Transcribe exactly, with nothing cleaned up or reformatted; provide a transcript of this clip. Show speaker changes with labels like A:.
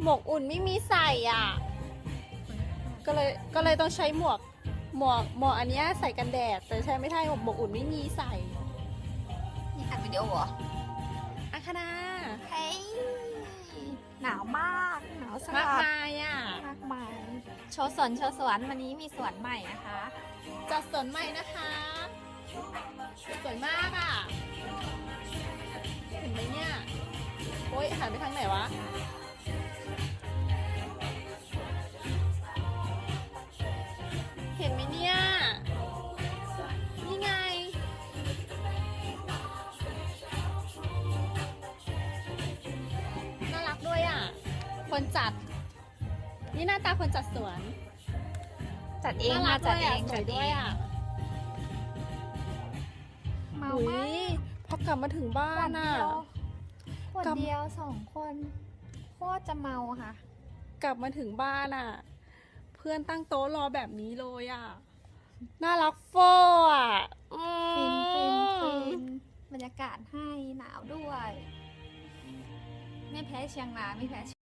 A: หมวกอุ่นไม่มีใส่อ่ะก็เลยก็เลยต้องใช้หมวกหมวกหมวกอันเนี้ยใส่กันแดดแต่ใช้ไม่ได้หมวกอุ่นไม่มีใส่
B: นี่อัดวิดีโอเหรอ
A: อาคณา
B: เฮ้ยหนาวมากหนาวส
A: มาก
B: ลัด
A: มายอ่ะ
B: มากมายโชว์สวนโชว์สวนวันนี้มีสวนใหม่นะคะ
A: จัดสวนใหม่นะคะสวยมากอ่ะเห็นไหมเนี่ยโอ๊ยหันไปทางไหนวะเห็นไหมเนี่ยนี่ไงน่ารักด้วยอ่ะคนจัดนี่หน้าตาคนจัดสวน
B: จัดเอง
A: น่ารั
B: มาก จัด
A: ด้วย
B: เอ
A: อ่ะ
B: ง
A: ส
B: จั
A: วย
B: ด
A: ด้
B: เอ
A: วย
B: ง
A: อ่ะ
B: เมา
A: อุ๊
B: มาก
A: ยพอกลับมาถึงบ้า
B: ขวน ด
A: น่ะ
B: เดียวขวด
A: กลับ
B: เดียวสองคนโคตรจะเมาค่ะ
A: กลับมาถึงบ้านอ่ะ เพื่อนตั้งโต๊ะรอแบบนี้เลยอ่ะ น่ารักโฟอ่ะอืม
B: ฟินฟินฟินบรรยากาศให้หนาวด้วย ไม่แพ้เชียงรายไม่แพ้